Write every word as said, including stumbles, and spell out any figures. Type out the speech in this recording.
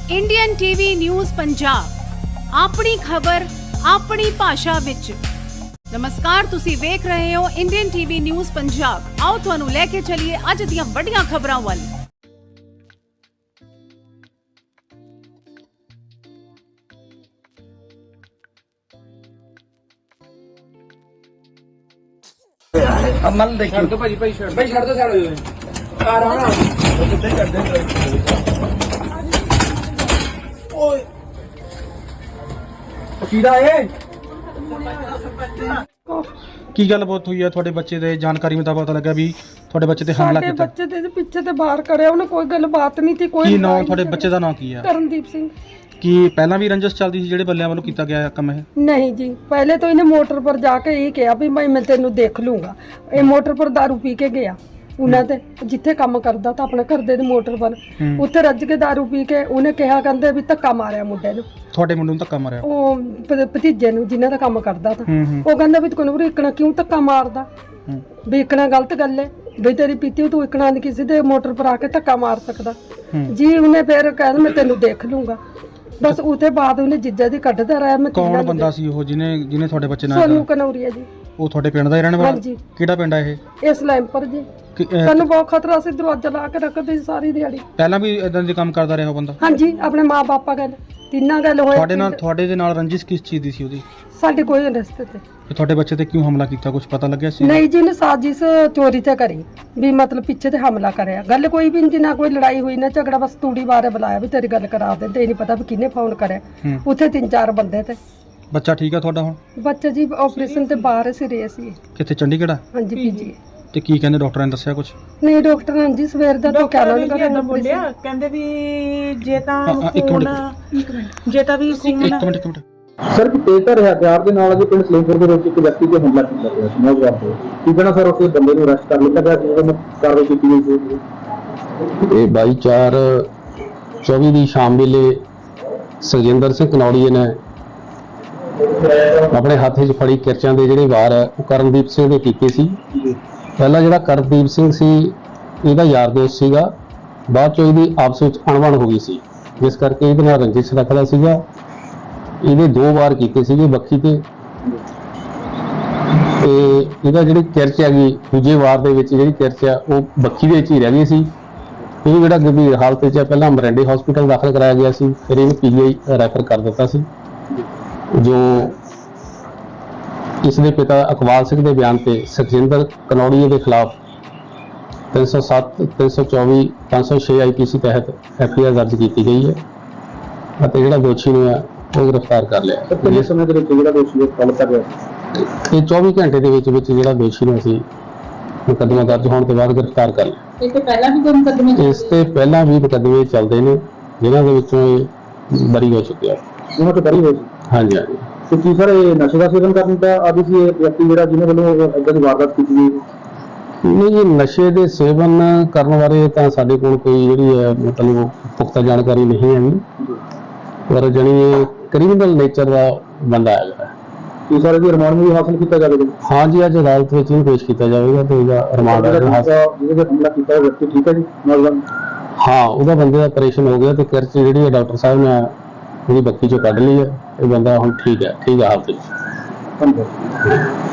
Indian TV news Punjab अपनी खबर अपनी भाषा विच। नमस्कार, तुसी वेख रहे हो इंडियन टीवी न्यूज़ पंजाब। आओ तुहानू लेके चलिए अज दियां वड्डियां खबरां वल। अमल देखिए तो भाई भाई छड़ भाई छड़ दो साइड हो जाए आ रहा ना कितने कर दे ओए कीड़ा है ਕੀ ਗੱਲਬਾਤ ਹੋਈ ਹੈ ਤੁਹਾਡੇ ਬੱਚੇ ਦੇ? ਜਾਣਕਾਰੀ ਮੁਤਾਬਕ ਪਤਾ ਲੱਗਾ ਵੀ ਤੁਹਾਡੇ ਬੱਚੇ ਤੇ ਹਮਲਾ ਸਾਡੇ ਕੀਤਾ। ਬੱਚੇ ਦੇ ਪਿੱਛੇ ਤੇ ਬਾਹਰ ਕਰਿਆ ਉਹਨੇ, ਕੋਈ ਗੱਲਬਾਤ ਨਹੀਂ ਸੀ। ਕੋਈ ਕੀ ਨਾਮ ਲੜਾਈ ਤੁਹਾਡੇ ਨਹੀਂ ਬੱਚੇ ਦਾ ਨਾਮ ਕੀ ਆ? ਕਰਨਦੀਪ ਸਿੰਘ। ਕੀ ਪਹਿਲਾਂ ਵੀ ਰੰਜਸ ਚੱਲਦੀ ਸੀ ਜਿਹੜੇ ਬੱਲਿਆਂ ਵੱਲੋਂ ਕੀਤਾ ਗਿਆ ਕੰਮ ਇਹ? नहीं जी, पहले तो इन्हें मोटर पर जाके यही कहा भी मैं मैं तेनू देख लूंगा। ये मोटर पर दारू पी के गया उन्हें ते जिथे काम करदा था अपने घर दे मोटर पर, उत्थे रज के दारू पी के उन्हें कहा कहंदे भी धक्का मारिया मुंडे नू, ਤੁਹਾਡੇ ਮੁੰਡੇ ਨੂੰ ਧੱਕਾ ਮਾਰਿਆ? ਉਹ ਭ- ਭਤੀਜੇ ਨੂੰ ਜਿਨ੍ਹਾਂ ਦਾ ਕੰਮ ਕਰਦਾ था। ਹੂੰ ਹੂੰ ਉਹ ਕਹਿੰਦਾ ਵੀ ਤੈਨੂੰ ਇਕਣਾ ਕਿਉਂ ਧੱਕਾ ਮਾਰਦਾ, ਹੂੰ। ਵੀ ਇਕਣਾ ਗਲਤ ਗੱਲ ਹੈ ਵੀ ਤੇਰੀ ਪੀਤੀ ਤੂੰ ਇਕਣਾ ਨਹੀਂ ਕਿਸੇ ਦੇ ਮੋਟਰ ਪਰ ਆ ਕੇ ਧੱਕਾ ਮਾਰ ਸਕਦਾ ਹੂੰ। ਜੀ। ਉਹਨੇ ਫਿਰ ਕਹਿੰਦਾ ਮੈਂ ਤੈਨੂੰ ਦੇਖ ਲੂੰਗਾ। ਬਸ ਉਹਦੇ ਬਾਅਦ ਉਹਨੇ ਜਿੱਜਾ ਦੀ ਕੱਢਦਾ ਰਿਹਾ। ਮੈਂ ਕੌਣ ਬੰਦਾ ਸੀ ਉਹ ਜਿਹਨੇ ਜਿਹਨੇ ਤੁਹਾਡੇ ਬੱਚੇ ਨਾਲ ਸੋਨੂੰ ਕਨੌਰੀਆ ਜੀ। ਉਹ ਤੁਹਾਡੇ ਪਿੰਡ ਦਾ ਹੀ ਰਹਿਣ ਵਾਲਾ? ਹਾਂਜੀ। ਕਿਹੜਾ ਪਿੰਡ ਆ ਇਹ? ਇਸ ਲੈਂਪਰ ਜੀ। ਕਿ, ਅਹ, ਸਾਨੂੰ ਬਹੁਤ ਖਤਰਾ ਸੀ, ਦਰਵਾਜ਼ਾ ਲਾ ਕੇ ਰੱਖਦੇ ਸੀ ਸਾਰੀ ਦਿਹਾੜੀ। ਪਹਿਲਾਂ ਵੀ ਇਦਾਂ ਦੇ ਕੰਮ ਕਰਦਾ ਰਿਹਾ ਉਹ ਬੰਦਾ? ਹਾਂਜੀ, ਆਪਣੇ ਮਾਂ-ਬਾਪਾ ਗੱਲ ਤਿੰਨਾਂ ਗੱਲ ਹੋਇਆ। ਤੁਹਾਡੇ ਨਾਲ ਤੁਹਾਡੇ ਦੇ ਨਾਲ ਰੰਜਿਸ਼ ਕਿਸ ਚੀਜ਼ ਦੀ ਸੀ ਉਹਦੀ? ਸਾਡੇ ਕੋਈ ਰਸਤੇ ਤੇ ਤੇ ਤੁਹਾਡੇ ਬੱਚੇ ਤੇ ਕਿਉਂ ਹਮਲਾ ਕੀਤਾ, ਕੁਝ ਪਤਾ ਲੱਗਿਆ ਸੀ? ਨਹੀਂ ਜੀ, ਨੇ ਸਾਜ਼ਿਸ਼ ਚੋਰੀ ਤੇ ਕਰੀ ਵੀ ਮਤਲਬ ਪਿੱਛੇ ਤੇ ਹਮਲਾ ਕਰਿਆ। ਗੱਲ ਕੋਈ ਵੀ ਨਹੀਂ, ਨਾ ਕੋਈ ਲੜਾਈ ਹੋਈ ਨਾ ਝਗੜਾ, ਬਸ ਤੂੜੀ ਬਾਰੇ ਬੁਲਾਇਆ ਵੀ ਤੇਰੀ ਗੱਲ ਕਰਾ ਦੇ। ਤੇ ਨਹੀਂ ਪਤਾ ਵੀ ਕਿਹਨੇ ਫੋਨ ਕਰਿਆ। ਹੂੰ। ਉੱਥੇ ਤਿੰਨ ਚਾਰ ਬੰਦੇ ਤੇ। ਬੱਚਾ ਠੀਕ ਆ ਤੁਹਾਡਾ ਹੁਣ? ਬੱਚਾ ਜੀ ਆਪਰੇਸ਼ਨ ਤੇ ਬਾਹਰ ਸੀਰੀਅਸ ਸੀ। ਕਿੱਥੇ, ਚੰਡੀਗੜ੍ਹ ਆ? ਹਾਂਜੀ ਪੀਜੀ। ਤੇ ਕੀ ਕਹਿੰਦੇ ਡਾਕਟਰਾਂ ਨੇ ਦੱਸਿਆ ਕੁਝ? ਨਹੀਂ ਡਾਕਟਰ ਨੇ ਜੀ ਸਵੇਰ ਦਾ ਤਾਂ ਕਹਿਣਾ ਨਹੀਂ ਡਾਕਟਰ ਬੋਲਿਆ, ਕਹਿੰਦੇ ਵੀ ਜੇ ਤਾਂ ਹਾਂ, ਹਾਂ, ਇੱਕ ਮਿੰਟ, ਖੂਨ ਜੇ ਤਾਂ ਵੀ ਖੂਨ ਇੱਕ ਮਿੰਟ ਇੱਕ ਮਿੰਟ ਸਰ ਕਿ ਤੇਜ਼ਧਾਰ ਹਥਿਆਰ ਦੇ ਨਾਲ ਅਜੇ ਪਿੰਡ ਸਲੇਮਪੁਰ ਦੇ ਵਿੱਚ ਇੱਕ ਵਿਅਕਤੀ ਤੇ ਹਮਲਾ ਕੀਤਾ ਗਿਆ ਸੀ ਨੌਜਵਾਨ ਤੇ। ਕੀ ਕਹਿਣਾ ਸਰ, ਉਸ ਬੰਦੇ ਨੂੰ ਅਰੈਸਟ ਕਰ ਲਿਆ ਗਿਆ ਸੀ ਉਹਨੂੰ ਕਾਰਵਾਈ ਕੀਤੀ ਗਈ ਸੀ? ਇਹ ਬਾਈ ਚਾਰ ਚੌਵੀ ਦੀ ਸ਼ਾਮ ਵੇਲੇ ਸੁਖਜਿੰਦਰ ਸਿੰਘ ਕਨੌੜੀਏ ਨੇ ਆਪਣੇ ਹੱਥ 'ਚ ਫੜੀ ਕਿਰਚਾਂ ਦੇ ਜਿਹੜੇ ਵਾਰ ਹੈ ਉਹ ਕਰਨਦੀਪ ਸਿੰਘ ਦੇ ਕੀਤੇ ਸੀ। ਪਹਿਲਾਂ ਜਿਹੜਾ ਕਰਨਦੀਪ ਸਿੰਘ ਸੀ ਇਹਦਾ ਯਾਰ ਦੋਸਤ ਸੀਗਾ, ਬਾਅਦ 'ਚ ਇਹਦੀ ਆਪਸ ਵਿੱਚ ਅਣਬਣ ਹੋ ਗਈ ਸੀ, ਜਿਸ ਕਰਕੇ ਇਹਦੇ ਨਾਲ ਰੰਜਿਸ਼ ਰੱਖਦਾ ਸੀਗਾ। ਇਹਦੇ ਦੋ ਵਾਰ ਕੀਤੇ ਸੀਗੇ ਬੱਖੀ ਤੇ, ਤੇ ਇਹਦਾ ਜਿਹੜੀ ਕਿਰਚ ਹੈਗੀ ਦੂਜੇ ਵਾਰ ਦੇ ਵਿੱਚ ਜਿਹੜੀ ਕਿਰਚ ਆ ਉਹ ਬੱਖੀ ਦੇ ਵਿੱਚ ਹੀ ਰਹਿ ਗਈ ਸੀ। ਇਹ ਜਿਹੜਾ ਗੰਭੀਰ ਹਾਲਤ 'ਚ ਪਹਿਲਾਂ ਮਰਿੰਡੇ ਹਸਪੀਟਲ ਦਾਖਲ ਕਰਾਇਆ ਗਿਆ ਸੀ, ਫਿਰ ਇਹਨੂੰ ਪੀਜੀਆਈ ਰੈਫਰ ਕਰ ਦਿੱਤਾ ਸੀ। ਜੋ ਇਸ ਦੇ ਪਿਤਾ ਅਕਵਾਲ ਸਿੰਘ ਦੇ ਬਿਆਨ ਤੇ ਸੁਖਜਿੰਦਰ ਕਨੌੜੀਏ ਦੇ ਖਿਲਾਫ ਤਿੰਨ ਸੌ ਸੱਤ, ਤਿੰਨ ਸੌ ਚੌਵੀ, ਪੰਜ ਸੌ ਛੇ ਆਈ ਪੀ ਸੀ ਤਹਿਤ ਐਫ ਆਈ ਆਰ ਦਰਜ ਕੀਤੀ ਗਈ ਹੈ ਅਤੇ ਜਿਹੜਾ ਦੋਸ਼ੀ ਨੂੰ ਹੈ ਉਹ ਗ੍ਰਿਫਤਾਰ ਕਰ ਲਿਆ। ਕਿੰਨੇ ਸਮੇਂ ਦੇ ਵਿੱਚ ਜਿਹੜਾ ਦੋਸ਼ੀ ਕਾਬੂ ਕਰ ਲਿਆ? ਇਹ ਚੌਵੀ ਘੰਟੇ ਦੇ ਵਿੱਚ ਵਿੱਚ ਜਿਹੜਾ ਦੋਸ਼ੀ ਨੂੰ ਅਸੀਂ ਮੁਕੱਦਮਾ ਦਰਜ ਹੋਣ ਤੋਂ ਬਾਅਦ ਗ੍ਰਿਫਤਾਰ ਕਰ ਲਿਆ। ਇਸ ਤੋਂ ਪਹਿਲਾਂ ਵੀ ਕੋਈ ਮੁਕੱਦਮੇ ਇਸ ਤੇ ਪਹਿਲਾਂ ਵੀ ਮੁਕੱਦਮੇ ਚੱਲਦੇ ਨੇ ਜਿਨ੍ਹਾਂ ਦੇ ਵਿੱਚੋਂ ਇਹ ਬਰੀ ਹੋ ਚੁੱਕਿਆ। ਉਹਨਾਂ ਤੋਂ ਬਰੀ ਹੋਈ ਸੀ? ਹਾਂਜੀ ਹਾਂਜੀ। ਤੇ ਕੀ ਸਰ ਇਹ ਨਸ਼ੇ ਦਾ ਸੇਵਨ ਕਰਨ ਦਾ ਆਦੀ ਸੀ ਇਹ ਵਿਅਕਤੀ ਜਿਹੜਾ ਜਿਹਨੇ ਵੱਲੋਂ ਇਦਾਂ ਦੀ ਵਾਰਦਾਤ ਕੀਤੀ ਗਈ? ਨਹੀਂ ਜੀ, ਨਸ਼ੇ ਦੇ ਸੇਵਨ ਕਰਨ ਬਾਰੇ ਤਾਂ ਸਾਡੇ ਕੋਲ ਕੋਈ ਜਿਹੜੀ ਹੈ ਮਤਲਬ ਪੁਖਤਾ ਜਾਣਕਾਰੀ ਨਹੀਂ ਹੈ, ਪਰ ਜਾਣੀ ਇਹ ਕ੍ਰਿਮੀਨਲ ਨੇਚਰ ਦਾ ਬੰਦਾ ਹੈਗਾ। ਕੀ ਸਰ ਇਹਦੀ ਰਿਮਾਂਡ ਵੀ ਹਾਸਲ ਕੀਤਾ ਜਾਵੇਗਾ? ਹਾਂ ਜੀ, ਅੱਜ ਅਦਾਲਤ ਵਿੱਚ ਇਹਨੂੰ ਪੇਸ਼ ਕੀਤਾ ਜਾਵੇਗਾ ਤੇ ਇਹਦਾ ਰਿਮਾਂਡ ਜਿਹਦੇ ਤੇ ਹਮਲਾ ਕੀਤਾ ਉਹ ਵਿਅਕਤੀ ਠੀਕ ਹੈ ਜੀ ਨੌਜਵਾਨ? ਹਾਂ, ਉਹਦਾ ਬੰਦੇ ਦਾ ਆਪਰੇਸ਼ਨ ਹੋ ਗਿਆ ਤੇ ਕਿਰਚ ਜਿਹੜੀ ਹੈ ਡਾਕਟਰ ਸਾਹਿਬ ਨੇ ਉਹਦੀ ਬੱਕੀ ਚੋਂ ਕੱਢ ਲਈ ਹੈ। ਇਹ ਬੰਦਾ ਹੁਣ ਠੀਕ ਹੈ, ਠੀਕ ਹੈ ਹਾਲਤ ਵਿੱਚ। ਧੰਨਵਾਦ।